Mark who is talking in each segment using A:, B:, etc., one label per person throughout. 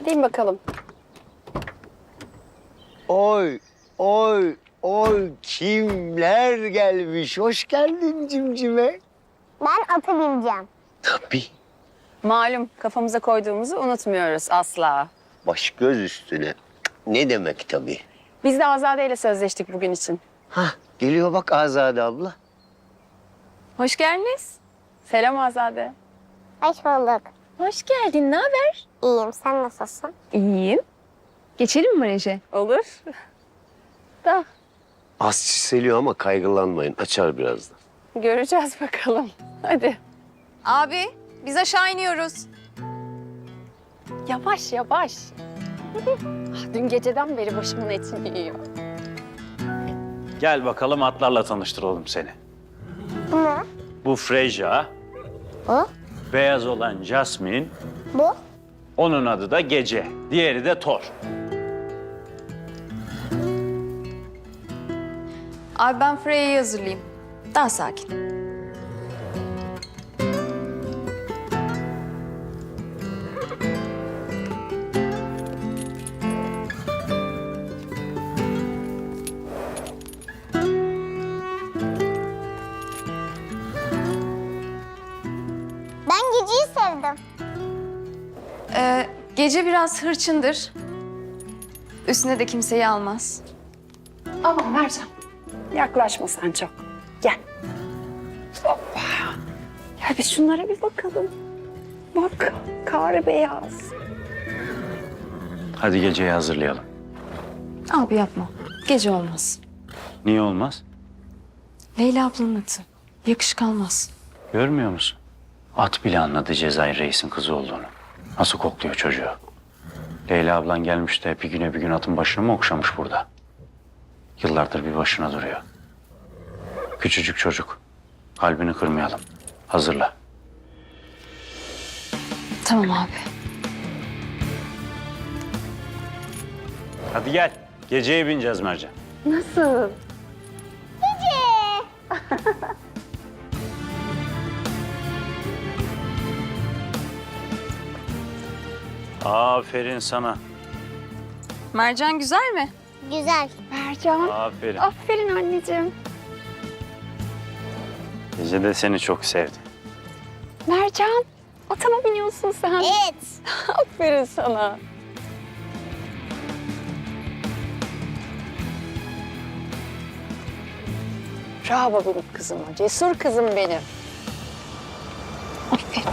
A: Deyin bakalım.
B: Oy, oy, oy kimler gelmiş? Hoş geldin cimcime.
C: Ben ata bineceğim.
B: Tabii.
A: Malum kafamıza koyduğumuzu unutmuyoruz asla.
B: Baş göz üstüne. Ne demek tabii.
A: Biz de Azade ile sözleştik bugün için.
B: Hah, geliyor bak Azade abla.
A: Hoş geldiniz. Selam Azade.
C: Hoş bulduk.
D: Hoş geldin. Ne haber?
C: İyiyim. Sen nasılsın?
D: İyiyim. Geçelim mi Mareje?
A: Olur. Da
B: Az çiseliyor ama kaygılanmayın. Açar birazdan.
A: göreceğiz bakalım. Hadi.
D: Abi biz aşağı iniyoruz.
A: Yavaş yavaş. Dün geceden beri başımın etini yiyor.
E: Gel bakalım atlarla tanıştıralım seni.
C: Bu ne?
E: Bu Freyja,
C: Bu?
E: beyaz olan Jasmine,
C: Bu?
E: onun adı da Gece, diğeri de Thor.
D: Abi ben Freya'yı hazırlayayım. Daha sakin.
C: Ben Gece'yi sevdim.
D: Gece biraz hırçındır. Üstüne de kimseyi almaz.
A: Aman Mercan. Yaklaşma sen çok. Gel. Hoppa. Gel biz şunlara bir bakalım. Bak kar beyaz.
E: Hadi Gece'yi hazırlayalım.
D: Abi yapma. Gece olmaz.
E: Niye olmaz?
D: Leyla ablanın atı. Yakışık almaz.
E: Görmüyor musun? At bile anladı Cezayir Reis'in kızı olduğunu. Nasıl kokluyor çocuğu. Leyla ablan gelmiş de bir gün atın başını mı okşamış burada? Yıllardır bir başına duruyor. Küçücük çocuk. Kalbini kırmayalım. Hazırla.
D: Tamam abi.
E: Hadi gel. Geceye bineceğiz Mercan.
A: Nasıl?
E: Aferin sana.
D: Mercan güzel mi?
C: Güzel.
A: Mercan.
E: Aferin.
A: Aferin anneciğim.
E: Gece de seni çok sevdi.
A: Mercan. Ata mı biniyorsun sen?
C: Evet.
A: Aferin sana. Bravo benim kızıma. Cesur kızım benim. Aferin.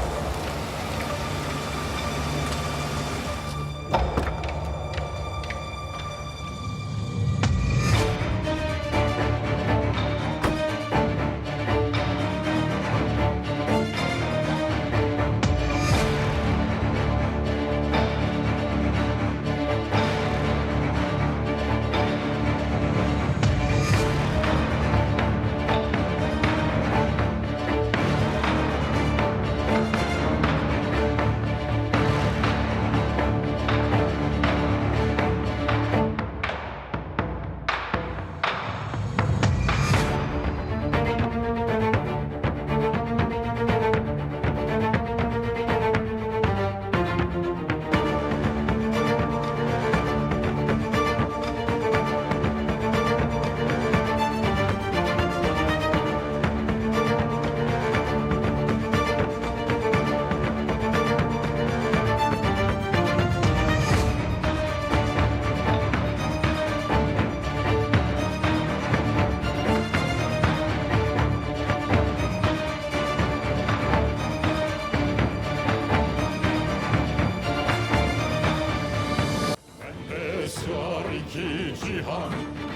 F: Sığar iki cihan,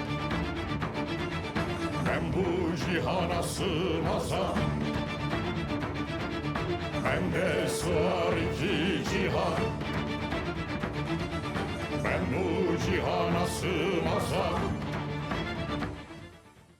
F: ben bu cihana sığmazam. Bende sığar iki cihan, ben bu cihana sığmazam.